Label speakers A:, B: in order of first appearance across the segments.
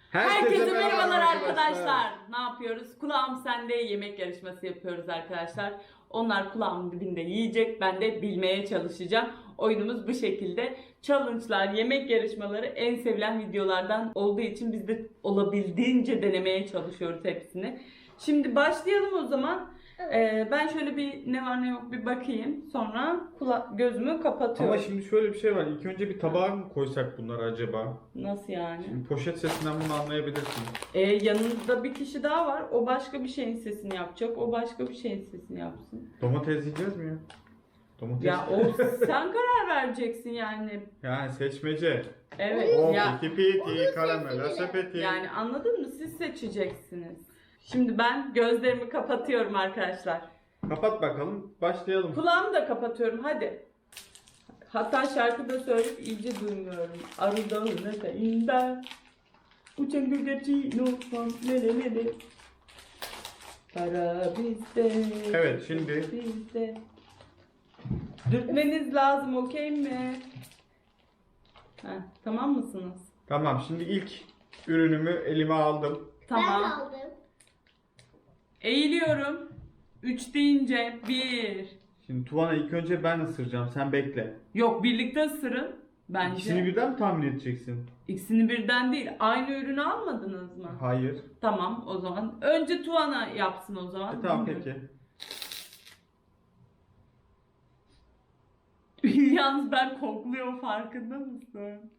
A: Herkese merhabalar arkadaşlar. Ne yapıyoruz? Kulağım sende yemek yarışması yapıyoruz arkadaşlar. Onlar kulağımın dibinde yiyecek. Ben de bilmeye çalışacağım. Oyunumuz bu şekilde. Challenge'lar, yemek yarışmaları en sevilen videolardan olduğu için biz de olabildiğince denemeye çalışıyoruz hepsini. Şimdi başlayalım o zaman. Ben şöyle bir ne var ne yok bir bakayım. Sonra gözümü kapatıyorum.
B: Ama şimdi şöyle bir şey var. İlk önce bir tabağa mı koysak bunları acaba?
A: Nasıl yani?
B: Şimdi poşet sesinden bunu anlayabilirsin.
A: Yanında bir kişi daha var. O başka bir şeyin sesini yapacak. O başka bir şeyin sesini yapsın.
B: Domates yiyeceğiz mi ya? Domates.
A: Ya o sen karar vereceksin yani.
B: Yani seçmece.
A: Evet.
B: O
A: Ya,
B: piti piti karamela sepeti.
A: yani anladın mı? Siz seçeceksiniz. Şimdi ben gözlerimi kapatıyorum arkadaşlar.
B: Kapat bakalım. Başlayalım.
A: Kulağımı da kapatıyorum. Hadi. Hatta şarkı da söyleyip iyice duymuyorum. Arı dağına ben. Uçan gölgeci nofam lele lele. Para bizde.
B: Evet, şimdi.
A: Bizde. Dürtmeniz lazım, okey mi? Heh, tamam mısınız?
B: Tamam, şimdi ilk ürünümü elime aldım.
A: Tamam.
C: Ben aldım.
A: Eğiliyorum. 3 deyince 1.
B: Şimdi Tuvana ilk önce ben ısıracağım. Sen bekle.
A: Yok, birlikte ısırın. Bence.
B: İkisini birden mi tahmin edeceksin?
A: İkisini birden değil. Aynı ürünü almadınız mı?
B: Hayır.
A: Tamam o zaman. Önce Tuana yapsın o zaman.
B: Tamam
A: Bilmiyorum.
B: peki.
A: Yalnız ben kokluyorum, farkında mısın?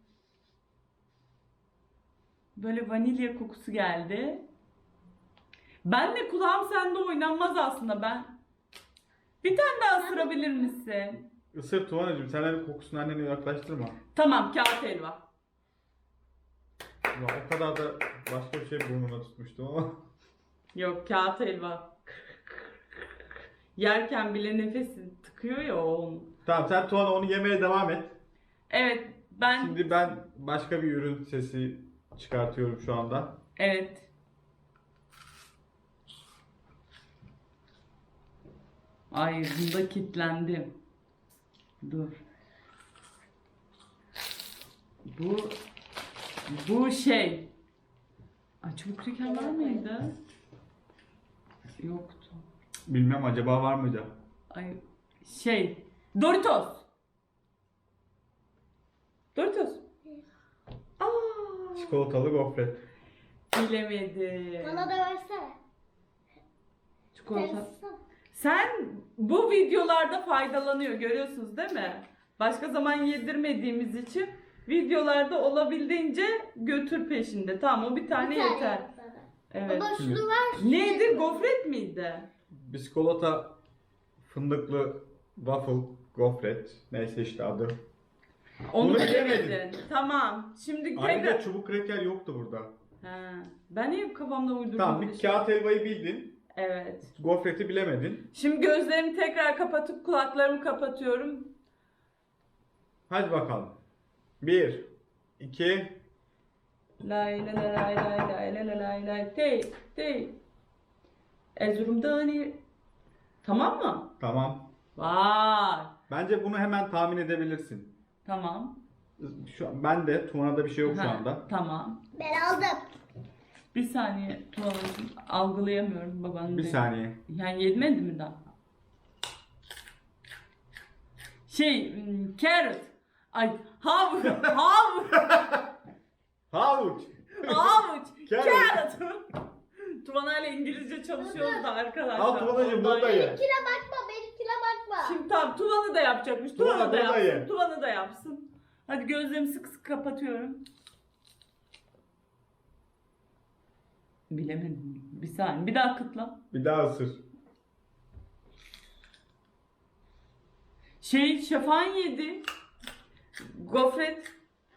A: Böyle vanilya kokusu geldi. Ben de kulağım sende oynanmaz aslında ben. Bir tane daha ısırabilir misin?
B: Isır Tuvana'cığım. Sen hani kokusunu annene yaklaştırma.
A: Tamam, kağıt helva.
B: Ya, o kadar da başka bir şey burnuma tutmuştum ama.
A: Yok, kağıt helva. Yerken bile nefesi tıkıyor ya o onun.
B: Tamam, sen Tuana onu yemeye devam et.
A: Evet ben
B: Şimdi ben başka bir ürün sesi çıkartıyorum şu anda.
A: evet. Ay, bunda kilitlendim. Dur. Bu şey. Ay, çubuk kraker var mıydı? Yoktu.
B: Bilmem acaba var mıydı?
A: Ay şey. Doritos. Doritos. Aa,
B: Çikolatalı gofret.
A: bilemedim.
C: Bana da versene.
A: Çikolata.
C: Sen-
A: Sen bu videolarda faydalanıyor, görüyorsunuz değil mi? Başka zaman yedirmediğimiz için videolarda olabildiğince götür peşinde. Tamam, o bir tane
C: Bir tane
A: yeter.
C: yap bana.
A: Evet.
C: Baba
B: Şimdi-
C: şunu ver.
A: Neydi? Gofret miydi?
B: Biskolata fındıklı waffle gofret. Neyse işte adı.
A: Onu
B: Bunu
A: bilemedin.
B: bilemedin.
A: Tamam. Şimdi
B: Ayrıca
A: tekrar...
B: çubuk kraker yoktu burada.
A: Ha, ben niye kafamda uydurdum?
B: Tamam,
A: bir
B: bir
A: şey?
B: kağıt helvayı bildin.
A: Evet.
B: Gofreti bilemedin.
A: Şimdi gözlerimi tekrar kapatıp kulaklarımı kapatıyorum.
B: Hadi bakalım. 1, 2,
A: Lay lay lay lay lay lay lay lay lay tey tey. Erzurum'dan Tamam mı?
B: tamam.
A: Vay.
B: Bence bunu hemen tahmin edebilirsin.
A: Tamam.
B: Ben de Tuvana'da bir şey yok şu
A: Ha,
B: anda.
A: tamam.
C: Ben aldım.
A: Bir saniye Tuğan'cığım, algılayamıyorum babanın.
B: Bir
A: dediğini.
B: saniye.
A: Yani yedmedi mi daha? Carrot. Ay, havuç. Havuç.
B: Havuç.
A: Havuç.
B: Carrot.
A: Carrot. Tuğan'a ile İngilizce çalışıyoruz da arkadaşlar.
B: Al Tuvana'cığım,
A: Ondan
B: bunu da ye.
C: Benimkine bakma, benimkine bakma.
A: Şimdi tamam, Tuvan'ı da yapacakmış.
B: Tuvan'a
A: Tuvan'ı da
B: bunu da
A: yapsın.
B: ye.
A: Tuvan'ı da yapsın. Hadi gözlerimi sık sık kapatıyorum. Bilemedim. Bir saniye. Bir daha kıtla.
B: Bir daha ısır.
A: Şafan yedi. Gofret.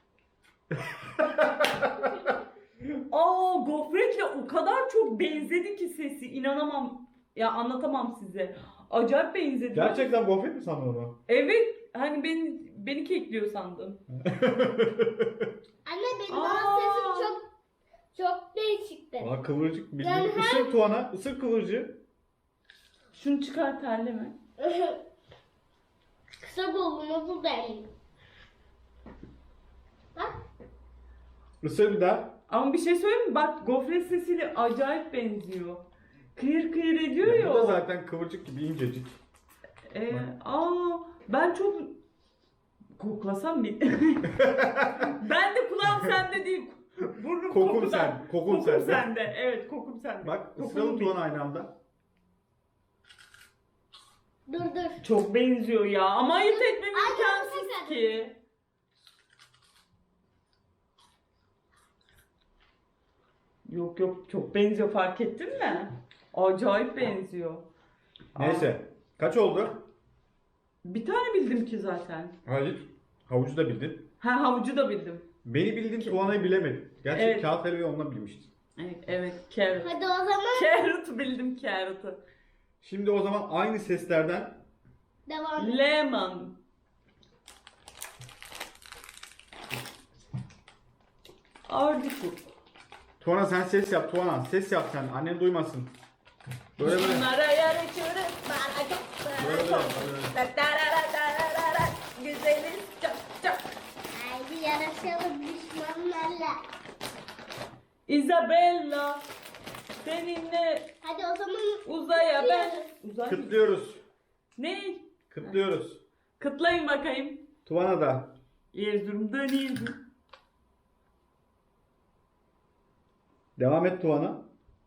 A: Aa, gofretle o kadar çok benzedi ki sesi. İnanamam. Ya anlatamam size. Acayip benzedi.
B: Gerçekten gofret mi sandın onu?
A: Evet. Hani beni kekliyor sandım.
C: Anne benim
A: Aa.
C: ağız sesim çok değişikti.
B: Aa, kıvırcık.
C: Yani
B: Bildiğin. Isır Tuana. Isır kıvırcığı.
A: Şunu çıkar, terleme.
C: Kısa buldum, nasıl değilim? Bak.
B: Isır bir daha.
A: Ama bir şey söyleyeyim mi? Bak gofret sesiyle acayip benziyor. Kıyır kıyır ediyor
B: Ya
A: ya.
B: bu da
A: o.
B: zaten kıvırcık gibi incecik.
A: Ben çok koklasam mı? Ben de kulağım sende değil. Burnum
B: Kokum
A: kokuda.
B: sen, kokum
A: Kokum
B: sende.
A: sende. Evet, kokum sende.
B: Bak
A: Kokumu
B: ısıralım
A: bil.
B: Tuğan aynı anda.
C: Dur.
A: Çok benziyor ya. Ama ayırt etmem
C: Ay,
A: imkansız
C: gerçekten.
A: ki. Yok yok, çok benziyor, fark ettin mi? Acayip benziyor.
B: Neyse. Kaç oldu?
A: Bir tane bildim ki zaten.
B: Hayır. Havucu da bildin.
A: Ha, havucu da bildim.
B: Beni bildin, Tuğan'ı bilemedin. Gerçi
A: Evet.
B: kağıt helvayı onunla bilmiştin.
A: Evet, evet, carrot.
C: Hadi o zaman
A: Carrot bildim, carrot'ı.
B: Şimdi o zaman aynı seslerden
C: devam et.
A: Lemon. Artichoke.
B: Tuğan'a sen ses yap Tuğan'a. Ses yap sen. Annen duymasın. Böyle böyle.
A: Bunlara yarışırız. Bana çok
B: Böyle böyle. Böyle.
A: Darararararara. Güzeliz çok çok.
C: Haydi yarışalım düşmanlarla.
A: Isabella. Seninle
C: Hadi o zaman
A: uzaya ben. Uzay mı?
B: Kıtlıyoruz.
A: Ne?
B: Kıtlıyoruz.
A: Kıtlayın bakayım.
B: Tuğan'a da.
A: Erzurum'dan Erzurum.
B: Devam et Tuğan'a.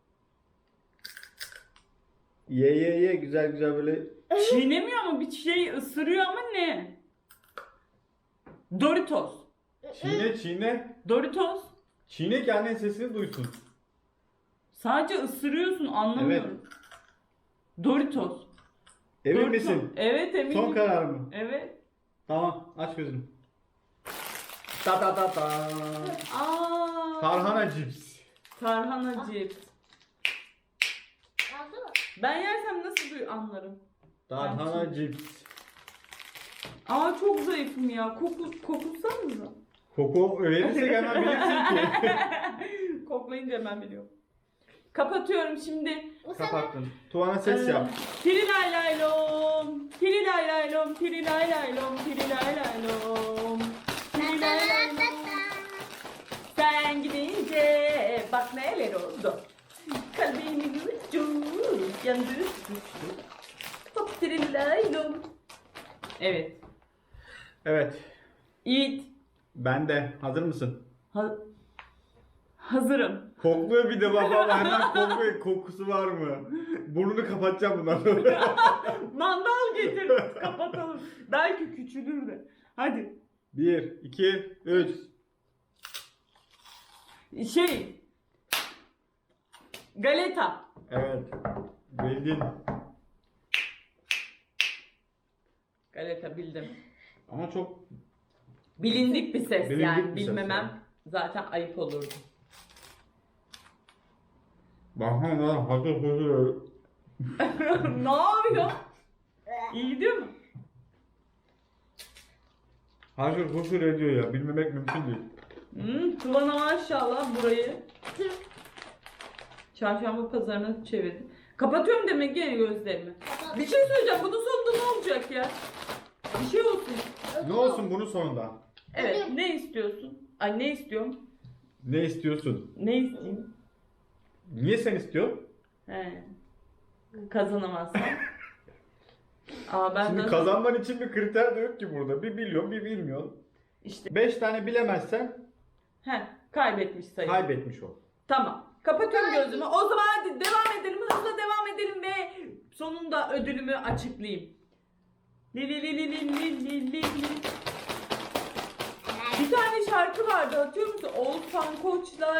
B: Ye güzel güzel böyle.
A: Çiğnemiyor ama bir şey ısırıyor ama ne? Doritos.
B: Çiğne çiğne.
A: Doritos.
B: Çiğne ki annen sesini duysun.
A: Sadece ısırıyorsun, anlamıyorum. Doritos.
B: Emin
A: Doritos.
B: misin?
A: Evet, eminim.
B: Son karar mı?
A: Evet.
B: Tamam aç gözünü. Ta ta ta ta.
A: Aa.
B: Tarhana cips.
A: Tarhana cips.
C: yazdı mı?
A: Ben yersem nasıl anlarım?
B: Tarhana cips.
A: Aa, çok zayıfım ya. Kokulsanıza.
B: Koku verirsek hemen bilirsin ki.
A: Koklayınca hemen biliyorum. Kapatıyorum şimdi.
C: Bu sefer
B: Kapattın. Tuğan'a ses yap.
A: Tirilay-lay-lom, tirilay-lay-lom, tirilay-lay-lom, tirilay-lay-lom. Tirilay-lay-lom. Sen gidince bak neler oldu. Kalbimin ucu yandı düştü. Hop tirilay-lom. Evet.
B: Evet.
A: Yiğit.
B: Ben de. Hazır mısın?
A: Hazırım.
B: Kokluyor bir de babam hemen kokluyor. Kokusu var mı? Burnunu kapatacağım bundan sonra.
A: Mandal getir. Kapatalım. Belki küçülür de. Hadi.
B: 1, 2, 3.
A: Galeta.
B: Evet. Bildin.
A: Galeta bildim.
B: Ama çok
A: Bilindik bir ses
B: Bilindik
A: yani.
B: bir ses
A: Bilmemem
B: yani.
A: zaten ayıp olurdu.
B: Bahane hazır hazır.
A: Ne yapıyor? İyi gidiyor mu?
B: Hazır huzur ediyor ya. Bilmemek mümkün değil.
A: Tuvana maşallah burayı çarşamba pazarına çevirdim. Kapatıyorum demek ki gözlerimi. Bir şey söyleyeceğim. Bunun sonunda ne olacak ya? Bir şey olsun.
B: Ne olsun bunun sonunda?
A: Evet. Ne istiyorsun? Ay, ne istiyorum?
B: Ne istiyorsun?
A: Ne isteyeyim?
B: Niye sen istiyorsun?
A: He. Kazanamazsam. Aa, ben
B: Şimdi
A: de
B: kazanman için bir kriter de yok ki burada. Bir biliyorsun, bir bilmiyorsun.
A: işte
B: 5 tane bilemezsen
A: kaybetmiş sayı.
B: kaybetmiş ol.
A: Tamam. Kapatıyorum gözümü. O zaman hadi devam edelim. Hızla devam edelim ve sonunda ödülümü açıklayayım. Li li li li li li li li li. Bir tane şarkı vardı, hatırlıyor musun? Oğuzhan Koç'la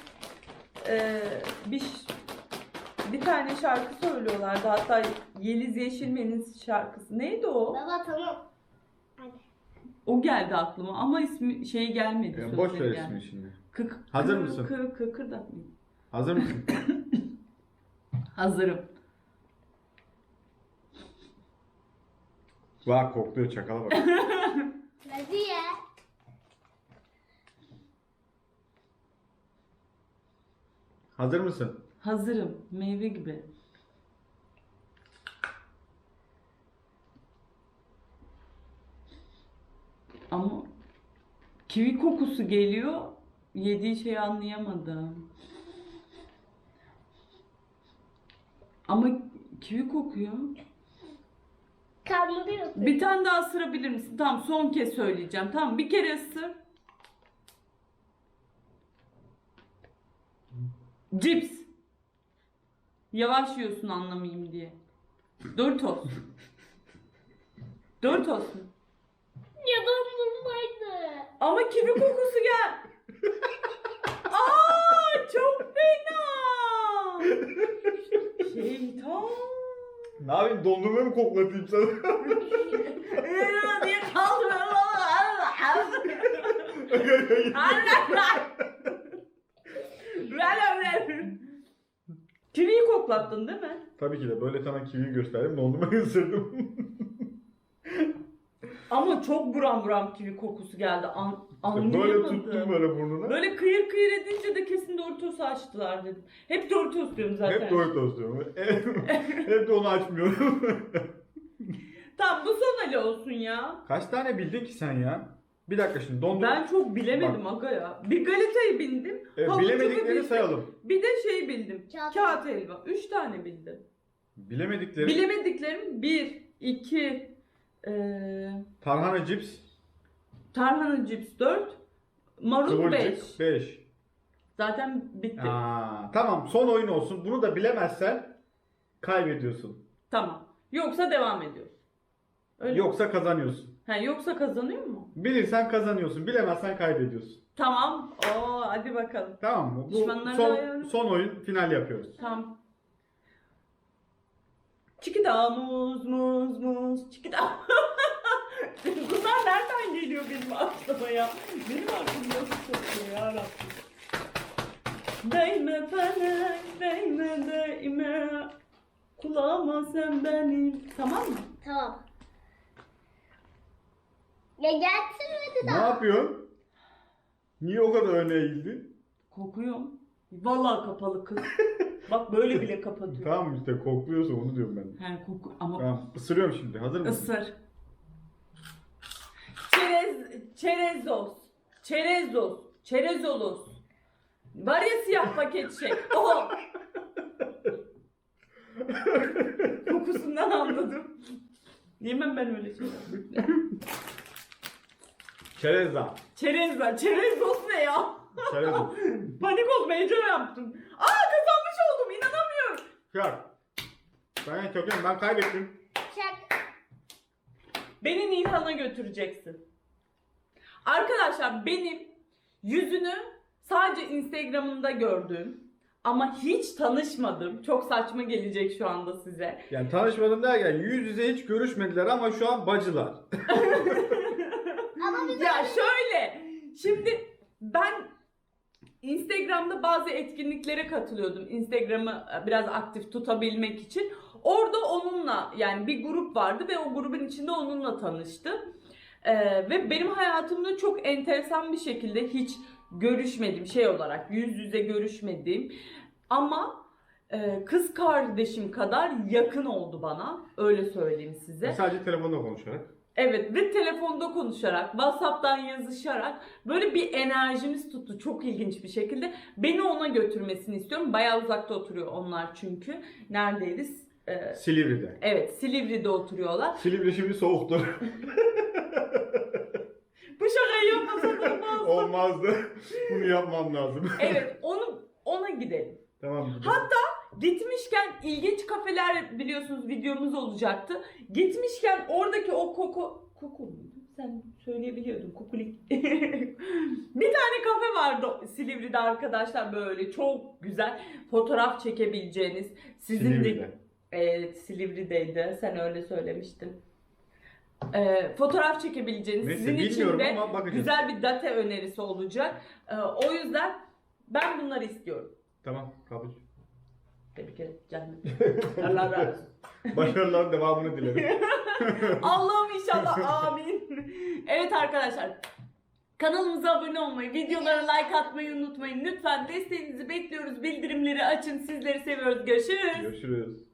A: bir tane şarkı söylüyorlardı. Hatta Yeliz Yeşilmen'in şarkısı. Neydi o?
C: baba tamam. Hadi.
A: O geldi aklıma ama ismi gelmedi.
B: Yani
A: sözleri
B: boş ver
A: gelmedi.
B: ismini şimdi.
A: Kık,
B: Hazır
A: kı-
B: mısın?
A: Kıkırdatmayayım.
B: Hazır mısın?
A: Hazırım.
B: Bak kokluyor çakala bak.
C: Hadi ya.
B: Hazır mısın?
A: Hazırım. Meyve gibi. Ama kivi kokusu geliyor. yediği şeyi anlayamadım. Ama kivi kokuyor.
C: Kandırıyorsun.
A: Bir tane daha ısırabilir misin? Tamam, son kez söyleyeceğim. Tamam, bir kere ısır. Cips. Yavaş yiyorsun anlamayayım diye. Doritos. Doritos mu?
C: Ya dondurmaydı.
A: Ama kivi kokusu gel. Aa, çok fena. Şeytan.
B: Ne yapayım, dondurma mı koklatayım sana?
A: diye kaldırıyor. Kiviyi koklattın değil mi?
B: Tabii ki de, böyle sana kiviyi gösterdim, dondurmayı ısırdım.
A: Ama çok buram buram kivi kokusu geldi. Anlayamadım.
B: Böyle tuttum böyle burnuna.
A: Böyle kıyır kıyır edince de kesin Doritos'u açtılar dedim. Hep Doritos diyorum zaten.
B: Hep Doritos diyorum. Hep de onu açmıyorum.
A: Tamam, bu son Ali olsun ya.
B: Kaç tane bildin ki sen ya? Bir dakika şimdi, dondurma.
A: Ben çok bilemedim aga ya. Bir galetayı bildim. havucu
B: Bilemediklerini
A: bildim.
B: sayalım.
A: Bir de şey bildim.
C: Kağıt.
A: Kağıt helva. 3 tane bildim.
B: Bilemedikleri.
A: Bilemediklerim 1, 2,
B: Tarhana cips.
A: tarhana cips 4, marul 5.
B: Kıvırcık 5.
A: Zaten bitti.
B: Tamam, son oyun olsun. Bunu da bilemezsen kaybediyorsun.
A: Tamam. Yoksa devam ediyoruz. Öyle mi?
B: Yoksa kazanıyorsun.
A: Yoksa kazanıyor mu?
B: Bilirsen kazanıyorsun. Bilemezsen kaybediyorsun.
A: Tamam. Hadi bakalım.
B: Tamam mı? Bu
A: Düşmanlarla ayarlı.
B: son oyun, final yapıyoruz.
A: Tamam. Çikida muz muz muz çikida. Bunlar nereden geliyor benim aklıma ya? Benim aklım nasıl çıkıyor ya Rabbim. Değme felek, değme. Kulağıma sen benim. Tamam mı?
C: Tamam. Ya getirmedi
B: Ne
C: daha.
B: yapıyorsun? Niye o kadar öne eğildin?
A: Kokuyorum. Vallahi kapalı kız. Bak böyle bile kapatıyor.
B: Tamam işte, kokluyorsa onu diyorum ben.
A: Koku ama
B: Tamam, ısırıyorum şimdi. Hazır mısın?
A: ısır. Çerezolos. Var ya siyah paket şey. O. Kokusundan anladım. Yemem ben öyle şeyler.
B: Çerezza.
A: Çerezos ne ya?
B: Çerezza.
A: Panik oldum, heyecan yaptım. Kazanmış oldum, inanamıyorum.
B: Kör. Ben köken, ben kaybettim.
C: Çak.
A: Beni Nihan'a götüreceksin. Arkadaşlar, benim yüzünü sadece Instagram'ımda gördüm. Ama hiç tanışmadım. Çok saçma gelecek şu anda size.
B: Yani tanışmadım derken yüz yüze hiç görüşmediler ama şu an bacılar.
C: Ama biz
A: Ya şöyle, şimdi ben Instagram'da bazı etkinliklere katılıyordum. Instagram'ı biraz aktif tutabilmek için. Orada onunla, yani bir grup vardı ve o grubun içinde onunla tanıştım. Ve benim hayatımda çok enteresan bir şekilde hiç görüşmedim, şey olarak yüz yüze görüşmedim. Ama kız kardeşim kadar yakın oldu bana. Öyle söyleyeyim size.
B: Sadece telefonla konuşarak.
A: Evet, ve telefonda konuşarak, WhatsApp'tan yazışarak böyle bir enerjimiz tuttu çok ilginç bir şekilde. Beni ona götürmesini istiyorum. Bayağı uzakta oturuyor onlar çünkü. Neredeydi?
B: Silivri'de.
A: Evet, Silivri'de oturuyorlar.
B: Silivri şimdi soğuktur.
A: Bu şakayı yapmasan olmaz.
B: Olmazdı. Bunu yapmam lazım.
A: Evet, ona gidelim.
B: Tamam. gidelim.
A: Hatta gitmişken ilginç kafeler, biliyorsunuz videomuz olacaktı. Gitmişken oradaki o koku muydu? Sen söyleyebiliyordun, kokulik. Bir tane kafe vardı Silivri'de arkadaşlar, böyle çok güzel fotoğraf çekebileceğiniz. Sizin
B: Silivri'de.
A: de evet, Silivri'deydi. Sen öyle söylemiştin. Fotoğraf çekebileceğiniz,
B: Neyse,
A: sizin için
B: bilmiyorum
A: de
B: ama bakacağız.
A: güzel bir date önerisi olacak. O yüzden ben bunları istiyorum.
B: Tamam, kabul.
A: Tebrik ederim canım. Allah razı olsun.
B: Başarıların devamını dilerim.
A: Allah'ım inşallah, amin. Evet arkadaşlar, kanalımıza abone olmayı, videolara like atmayı unutmayın. Lütfen desteğinizi bekliyoruz. Bildirimleri açın. Sizleri seviyoruz. Görüşürüz.
B: Görüşürüz.